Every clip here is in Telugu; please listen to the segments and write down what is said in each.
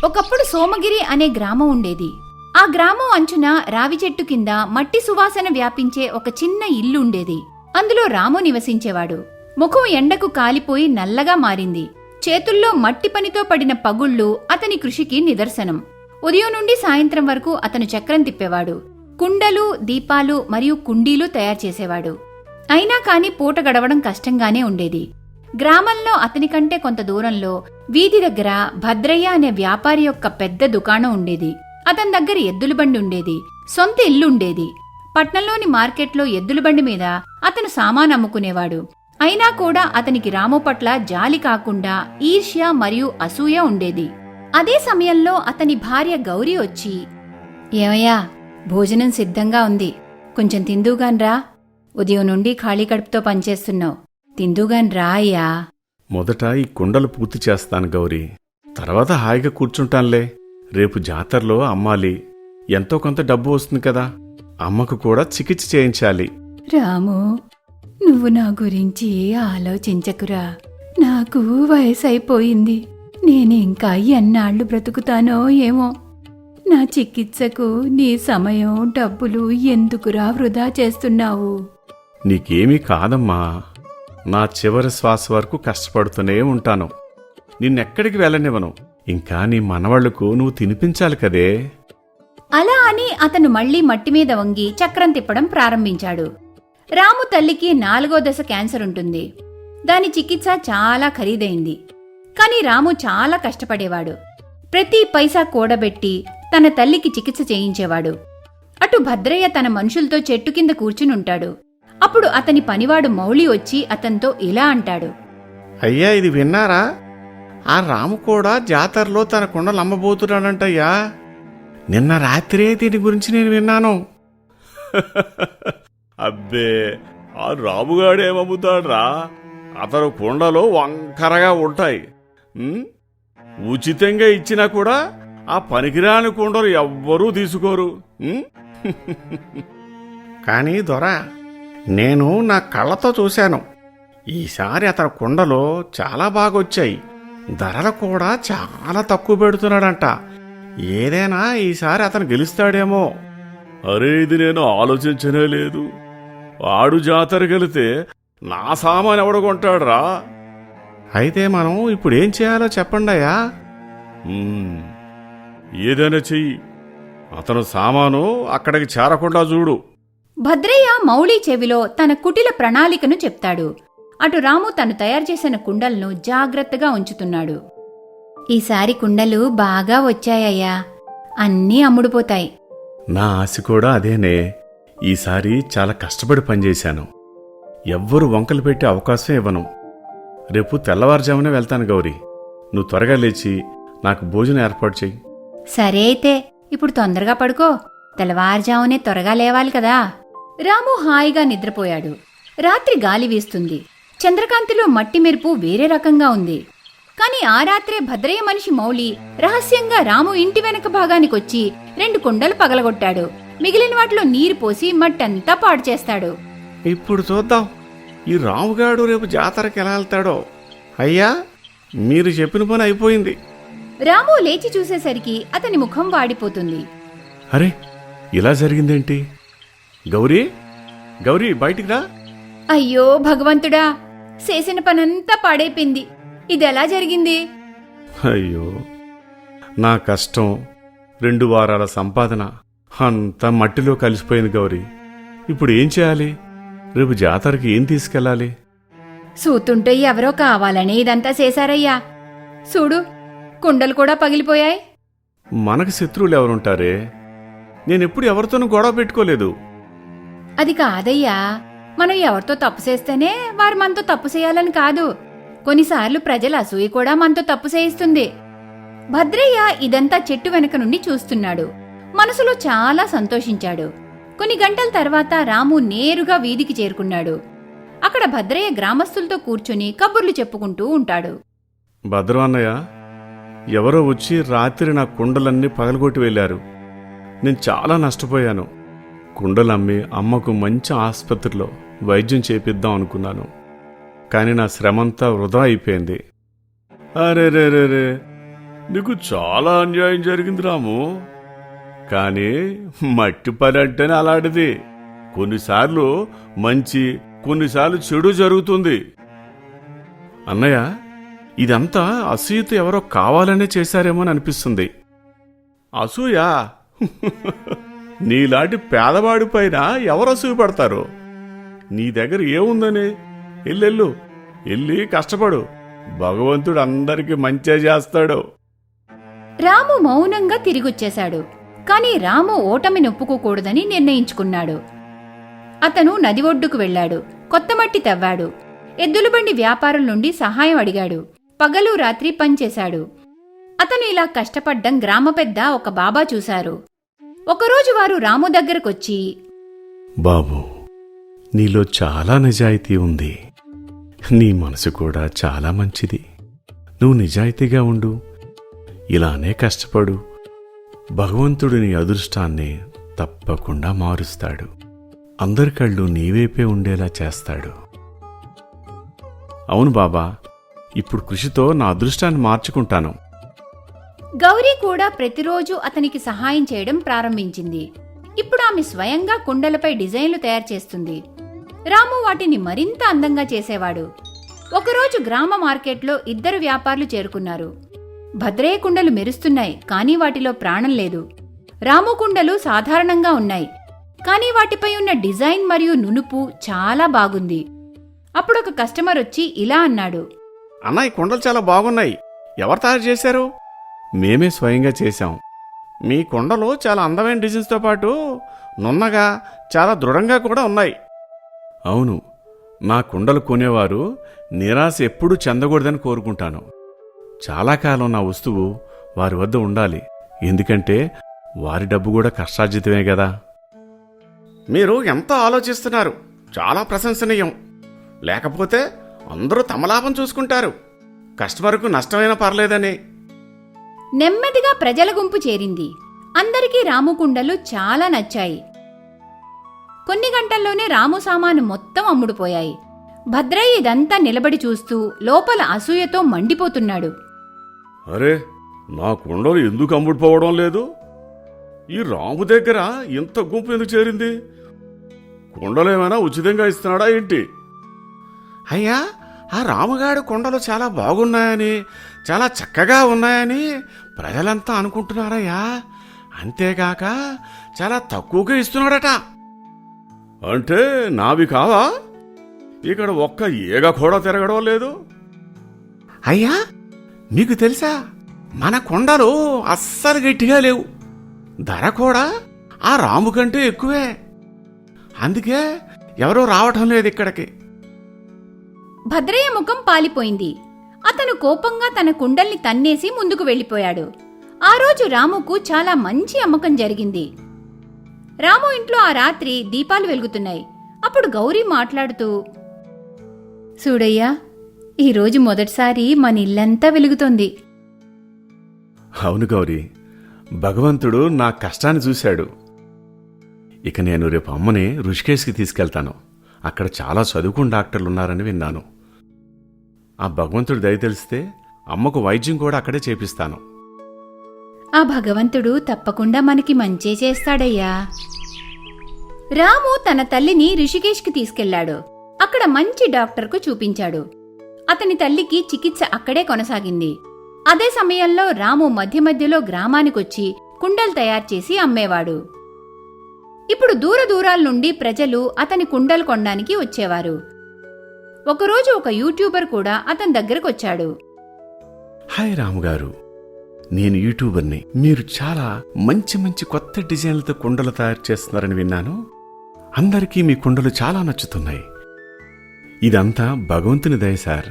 ఒకప్పుడు సోమగిరి అనే గ్రామం ఉండేది. ఆ గ్రామం అంచున రావి చెట్టు కింద మట్టి సువాసన వ్యాపించే ఒక చిన్న ఇల్లు ఉండేది. అందులో రాము నివసించేవాడు. ముఖం ఎండకు కాలిపోయి నల్లగా మారింది. చేతుల్లో మట్టి పనితో పడిన పగుళ్లు అతని కృషికి నిదర్శనం. ఉదయం నుండి సాయంత్రం వరకు అతను చక్రం తిప్పేవాడు. కుండలు, దీపాలు మరియు కుండీలు తయారు చేసేవాడు. అయినా కాని పూట గడవడం కష్టంగానే ఉండేది. గ్రామంలో అతని కంటే కొంత దూరంలో వీధి దగ్గర భద్రయ్య అనే వ్యాపారి యొక్క పెద్ద దుకాణం ఉండేది. అతని దగ్గర ఎద్దుల బండి ఉండేది. సొంత ఇల్లు ఉండేది. పట్నంలోని మార్కెట్లో ఎద్దుల బండి మీద అతను సామాను అమ్ముకునేవాడు. అయినా కూడా అతనికి రాము పట్ల జాలి కాకుండా ఈర్ష్య మరియు అసూయ ఉండేది. అదే సమయంలో అతని భార్య గౌరీ వచ్చి, ఏమయ్యా, భోజనం సిద్ధంగా ఉంది, కొంచెం తిందుగాన్రా. ఉదయం నుండి ఖాళీ కడుపుతో పనిచేస్తున్నావు, తిందుగాన్రా అయ్యా. మొదట ఈ కుండలు పూర్తి చేస్తాను గౌరీ, తర్వాత హాయిగా కూర్చుంటానులే. రేపు జాతరలో అమ్మాలి, ఎంతో కొంత డబ్బు వస్తుంది కదా, అమ్మకు కూడా చికిత్స చేయించాలి. రాము, నువ్వు నా గురించి ఆలోచించకురా. నాకు వయసైపోయింది. నేను ఇంకా ఎన్నాళ్లు బ్రతుకుతానో ఏమో. నా చికిత్సకు నీ సమయం, డబ్బులు ఎందుకురా వృధా చేస్తున్నావు? నీకేమీ కాదమ్మా, నా చివరి శ్వాస వరకు కష్టపడుతూనే ఉంటాను. నిన్నెక్కడికి వెళ్ళనివ్వను. ఇంకా నీ మనవాళ్లకు నువ్వు తినిపించాలి కదే. అలా అని అతను మళ్లీ మట్టి మీద వంగి చక్రం తిప్పడం ప్రారంభించాడు. రాము తల్లికి 4వ దశ క్యాన్సర్ ఉంటుంది. దాని చికిత్స చాలా ఖరీదైంది. కాని రాము చాలా కష్టపడేవాడు. ప్రతి పైసా కూడబెట్టి తన తల్లికి చికిత్స చేయించేవాడు. అటు భద్రయ్య తన మనుషులతో చెట్టు కింద కూర్చునుంటాడు. అప్పుడు అతని పనివాడు మౌళి వచ్చి అతనితో ఇలా అంటాడు, అయ్యా, ఇది విన్నారా? ఆ రాము కూడా జాతరలో తన కుండలు అమ్మబోతున్నాడంటయ్యా. నిన్న రాత్రే దీని గురించి నేను విన్నాను. అబ్బే, ఆ రాముగాడేమమ్ముతాడ్రా? అతను కుండలు వంకరగా ఉంటాయి. ఉచితంగా ఇచ్చినా కూడా ఆ పనికిరాని కుండలు ఎవ్వరూ తీసుకోరు. కానీ దొరా, నేను నా కళ్ళతో చూశాను. ఈసారి అతని కుండలు చాలా బాగొచ్చాయి. ధరలు కూడా చాలా తక్కువ పెడుతున్నాడంట. ఏదైనా ఈసారి అతను గెలుస్తాడేమో. అరే, ఇది నేను ఆలోచించనే లేదు. వాడు జాతరకెళితే నా సామాను ఎవడు కొంటాడురా? అయితే మనం ఇప్పుడేం చేయాలో చెప్పండయ్యా. ఏదైనా చెయ్యి, అతను సామాను అక్కడికి చేరకుండా చూడు. భద్రయ్య మౌళి చెవిలో తన కుటిల ప్రణాళికను చెప్తాడు. అటు రాము తను తయారు చేసిన కుండలను జాగ్రత్తగా ఉంచుతున్నాడు. ఈసారి కుండలు బాగా వచ్చాయ్యా, అన్నీ అమ్ముడుపోతాయి. నా ఆశ కూడా అదేనే. ఈసారి చాలా కష్టపడి పనిచేశాను. ఎవ్వరూ వంకలు పెట్టే అవకాశం ఇవ్వను. రేపు తెల్లవారుజామునే వెళ్తాను గౌరీ. నువ్వు త్వరగా లేచి నాకు భోజనం ఏర్పాటు చెయ్యి. సరే అయితే ఇప్పుడు తొందరగా పడుకో. తెల్లవారుజామునే త్వరగా లేవాలి కదా. రాము హాయిగా నిద్రపోయాడు. రాత్రి గాలి వీస్తుంది. చంద్రకాంతిలో మట్టి మెరుపు వేరే రకంగా ఉంది. కాని ఆ రాత్రే భద్రయ్య మనిషి మౌళి రహస్యంగా రాము ఇంటి వెనక భాగానికొచ్చి 2 కుండలు పగలగొట్టాడు. మిగిలిన వాటిలో నీరు పోసి మట్టంతా పాడు చేస్తాడు. ఇప్పుడు చూద్దాం ఈ రాముగాడు రేపు జాతరకి ఎలా వెళ్తాడో. అయ్యా, మీరు చెప్పిన పని అయిపోయింది. రాము లేచి చూసేసరికి అతని ముఖం వాడిపోతుంది. అరే, ఇలా జరిగిందేంటి? గౌరీ, గౌరీ, బయటికి రా. అయ్యో భగవంతుడా, చేసిన పనంతా పాడైపోయింది. ఇదెలా జరిగింది? అయ్యో, నా కష్టం, 2 వారాల సంపాదన అంతా మట్టిలో కలిసిపోయింది గౌరీ. ఇప్పుడు ఏం చేయాలి? రేపు జాతరకి ఏం తీసుకెళ్ళాలి? సూతుంటే ఎవరో కావాలని ఇదంతా చేశారయ్యా. చూడు, కుండలు కూడా పగిలిపోయాయి. మనకు శత్రువులు ఎవరుంటారే? నేనెప్పుడు ఎవరితోనూ గొడవ పెట్టుకోలేదు. అది కాదయ్యా, మనం ఎవరితో తప్పు చేస్తేనే వారు మనతో తప్పు చేయాలని కాదు. కొన్నిసార్లు ప్రజల అసూయ కూడా మనతో తప్పు చేయిస్తుంది. భద్రయ్య ఇదంతా చెట్టు వెనక నుండి చూస్తున్నాడు. మనసులో చాలా సంతోషించాడు. కొన్ని గంటల తర్వాత రాము నేరుగా వీధికి చేరుకున్నాడు. అక్కడ భద్రయ్య గ్రామస్తులతో కూర్చుని కబుర్లు చెప్పుకుంటూ ఉంటాడు. భద్రం అన్నయ్య, ఎవరో వచ్చి రాత్రి నా కుండలన్నీ పగలగొట్టి వెళ్లారు. నేను చాలా నష్టపోయాను. కుండలమ్మి అమ్మకు మంచి ఆసుపత్రిలో వైద్యం చేపిద్దాం అనుకున్నాను. కానీ నా శ్రమంతా వృధా అయిపోయింది. అరే రే రే రే, నీకు చాలా అన్యాయం జరిగింది రాము. కానీ మట్టి పని అంటేనే అలాంటిది. కొన్నిసార్లు మంచి, కొన్నిసార్లు చెడు జరుగుతుంది. అన్నయ్య, ఇదంతా అసూయతో ఎవరో కావాలనే చేశారేమో అని అనిపిస్తుంది. అసూయ? నీలాంటి పేదవాడి పైన ఎవరు అసూయ పడతారు? నీ దగ్గర ఏముందని? ఎల్లెళ్ళు, వెళ్ళి కష్టపడు. భగవంతుడు అందరికీ మంచే చేస్తాడు. రాము మౌనంగా తిరిగొచ్చేశాడు. కాని రాము ఓటమి నొప్పుకోకూడదని నిర్ణయించుకున్నాడు. అతను నది ఒడ్డుకు వెళ్లాడు. కొత్త మట్టి తవ్వాడు. ఎద్దులబండి వ్యాపారుల నుండి సహాయం అడిగాడు. పగలు రాత్రి పనిచేశాడు. అతను ఇలా కష్టపడ్డం గ్రామ పెద్ద ఒక బాబా చూశారు. ఒకరోజు వారు రాము దగ్గరకొచ్చి, బాబు, నీలో చాలా నిజాయితీ ఉంది. నీ మనసు కూడా చాలా మంచిది. నువ్వు నిజాయితీగా ఉండు, ఇలానే కష్టపడు. భగవంతుడు నీ అదృష్టాన్ని తప్పకుండా మారుస్తాడు. అందరి కళ్ళు నీవైపే ఉండేలా చేస్తాడు. అవును బాబా, ఇప్పుడు కృషితో నా అదృష్టాన్ని మార్చుకుంటాను. గౌరీ కూడా ప్రతిరోజు అతనికి సహాయం చేయడం ప్రారంభించింది. ఇప్పుడు ఆమె స్వయంగా కుండలపై డిజైన్లు తయారు చేస్తుంది. రాము వాటిని మరింత అందంగా చేసేవాడు. ఒకరోజు గ్రామ మార్కెట్లో ఇద్దరు వ్యాపారులు చేరుకున్నారు. భద్రయ్య కుండలు మెరుస్తున్నాయి, కానీ వాటిలో ప్రాణం లేదు. రాము కుండలు సాధారణంగా ఉన్నాయి, కానీ వాటిపై ఉన్న డిజైన్ మరియు నునుపు చాలా బాగుంది. అప్పుడొక కస్టమర్ వచ్చి ఇలా అన్నాడు, అన్న, ఈ కుండలు చాలా బాగున్నాయి. ఎవరు తయారు చేశారు? మేమే స్వయంగా చేశాం. మీ కుండలు చాలా అందమైన డిజైన్స్తో పాటు నున్నగా, చాలా దృఢంగా కూడా ఉన్నాయి. అవును, నా కుండలు కొనేవారు నిరాశ ఎప్పుడూ చెందకూడదని కోరుకుంటాను. చాలా కాలం నా వస్తువు వారి వద్ద ఉండాలి. ఎందుకంటే వారి డబ్బు కూడా కష్టార్జితమే కదా. మీరు ఎంతో ఆలోచిస్తున్నారు, చాలా ప్రశంసనీయం. లేకపోతే అందరూ తమ లాభం చూసుకుంటారు, కస్టమర్కు నష్టమైనా పర్లేదని. నెమ్మదిగా ప్రజల గుంపు చేరింది. అందరికీ రాము కుండలు చాలా నచ్చాయి. కొన్ని గంటల్లోనే రాము సామాను మొత్తం అమ్ముడుపోయాయి. భద్రయ్య ఇదంతా నిలబడి చూస్తూ లోపల అసూయతో మండిపోతున్నాడు. అరే, నా కుండలు ఎందుకు అమ్ముడుపోవడం లేదు? ఈ రాము దగ్గర ఇంత గుంపు ఎందుకు చేరింది? కుండలేమైనా ఉచితంగా ఇస్తున్నాడా ఏంటి? అయ్యా, ఆ రాముగాడి కుండలు చాలా బాగున్నాయని, చాలా చక్కగా ఉన్నాయని ప్రజలంతా అనుకుంటున్నారయ్యా. అంతేగాక చాలా తక్కువగా ఇస్తున్నాడట. అంటే నావి కావా? ఇక్కడ ఒక్క ఈగ కూడా తిరగడం లేదు. అయ్యా, మీకు తెలుసా, మన కుండలు అస్సలు గట్టిగా లేవు. ధర కూడా ఆ రాము కంటే ఎక్కువే. అందుకే ఎవరూ రావటం లేదు ఇక్కడికి. భద్రయ్య ముఖం పాలిపోయింది. అతను కోపంగా తన కుండల్ని తన్నేసి ముందుకు వెళ్లిపోయాడు. ఆ రోజు రాముకు చాలా మంచి అమ్మకం జరిగింది. రాము ఇంట్లో ఆ రాత్రి దీపాలు వెలుగుతున్నాయి. అప్పుడు గౌరీ మాట్లాడుతూ, చూడయ్యా, ఈరోజు మొదటిసారి మన ఇల్లంతా వెలుగుతోంది. అవును గౌరీ, భగవంతుడు నా కష్టాన్ని చూశాడు. ఇక నేను రేపు అమ్మని ఋషికేశ్కి తీసుకెళ్తాను. అక్కడ చాలా చదువుకున్న డాక్టర్లున్నారని విన్నాను. ఆ భగవంతుడు దయ తెలిస్తే అమ్మకు వైద్యం కూడా అక్కడే చేపిస్తాను. ఆ భగవంతుడు తప్పకుండా మనకి మంచే చేస్తాడయ్యా. రాము తన తల్లిని రిషికేష్కి తీసుకెళ్లాడు. అక్కడ మంచి డాక్టర్కు చూపించాడు. అతని తల్లికి చికిత్స అక్కడే కొనసాగింది. అదే సమయంలో రాము మధ్య మధ్యలో గ్రామానికొచ్చి కుండలు తయారు చేసి అమ్మేవాడు. ఇప్పుడు దూర దూరాల నుండి ప్రజలు అతని కుండలు కొనడానికి వచ్చేవారు. ఒకరోజు ఒక యూట్యూబర్ కూడా అతని దగ్గరకొచ్చాడు. హాయ్ రాముగారు, నేను యూట్యూబర్ని. మీరు చాలా మంచి మంచి కొత్త డిజైన్లతో కుండలు తయారు చేస్తున్నారని విన్నాను. అందరికీ మీ కుండలు చాలా నచ్చుతున్నాయి. ఇదంతా భగవంతుని దయ సార్.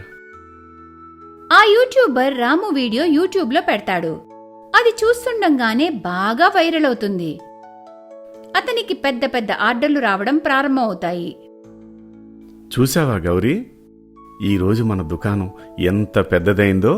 ఆ యూట్యూబర్ రాము వీడియో యూట్యూబ్లో పెడతాడు. అది చూస్తుండగానే బాగా వైరల్ అవుతుంది. అతనికి పెద్ద పెద్ద ఆర్డర్లు రావడం ప్రారంభమవుతాయి. చూసావా గౌరీ, ఈరోజు మన దుకాణం ఎంత పెద్దదైందో.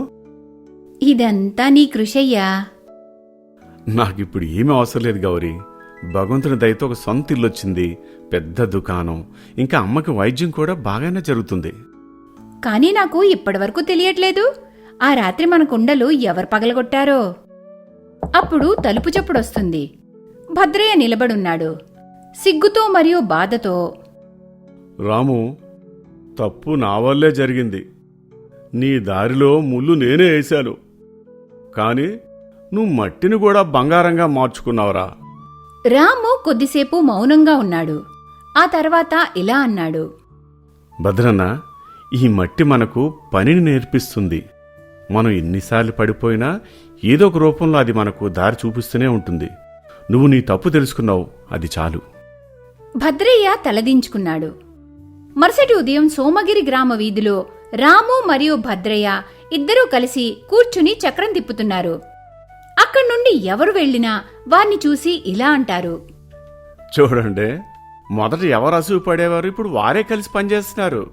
ఇదంతా నీ కృషయ్యా. నాకిప్పుడు ఏమీ అవసరం లేదు గౌరీ. భగవంతుని దయతో ఒక సొంత ఇల్లొచ్చింది, పెద్ద దుకాణం, ఇంకా అమ్మకి వైద్యం కూడా బాగానే జరుగుతుంది. కానీ నాకు ఇప్పటివరకు తెలియట్లేదు, ఆ రాత్రి మన కుండలు ఎవరు పగలగొట్టారో? అప్పుడు తలుపు చప్పుడొస్తుంది. భద్రయ్య నిలబడున్నాడు. సిగ్గుతో మరియు బాధతో, రాము, తప్పు నా వల్లే జరిగింది. నీ దారిలో ముళ్ళు నేనే వేశాను. కాని నువ్వు మట్టిని కూడా బంగారంగా మార్చుకున్నావురా. రాము కొద్దిసేపు మౌనంగా ఉన్నాడు. ఆ తర్వాత ఇలా అన్నాడు. భద్రన్న, ఈ మట్టి మనకు పనిని నేర్పిస్తుంది. మనం ఎన్నిసార్లు పడిపోయినా ఏదో ఒక రూపంలో అది మనకు దారి చూపిస్తూనే ఉంటుంది. నువ్వు నీ తప్పు తెలుసుకున్నావు, అది చాలు. భద్రయ్య తలదించుకున్నాడు. మరుసటి ఉదయం సోమగిరి గ్రామ వీధిలో రాము మరియు భద్రయ్య ఇద్దరూ కలిసి కూర్చుని చక్రం తిప్పుతున్నారు. అక్కడి నుండి ఎవరు వెళ్లినా వారిని చూసి ఇలా అంటారు. చూడండి, మొదట ఎవరు అసూయ పడేవారు, ఇప్పుడు వారే కలిసి పనిచేస్తున్నారు.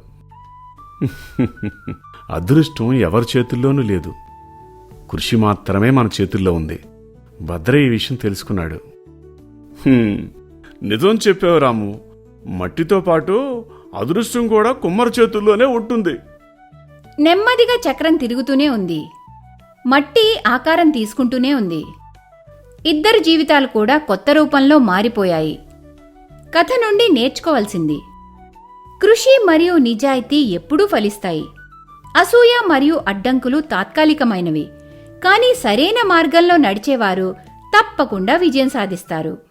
అదృష్టం ఎవరి చేతుల్లోనూ లేదు, కృషి మాత్రమే మన చేతుల్లో ఉంది. భద్రయ్య ఈ విషయం తెలుసుకున్నాడు. నిజం చెప్పావు రాము, మట్టితో పాటు అదృష్టం కూడా కుమ్మరి చేతుల్లోనే ఉంటుంది. నెమ్మదిగా చక్రం తిరుగుతూనే ఉంది. మట్టి ఆకారం తీసుకుంటూనే ఉంది. ఇద్దరు జీవితాలు కూడా కొత్త రూపంలో మారిపోయాయి. కథ నుండి నేర్చుకోవాల్సింది: కృషి మరియు నిజాయితీ ఎప్పుడూ ఫలిస్తాయి. అసూయ మరియు అడ్డంకులు తాత్కాలికమైనవి, కానీ సరైన మార్గంలో నడిచేవారు తప్పకుండా విజయం సాధిస్తారు.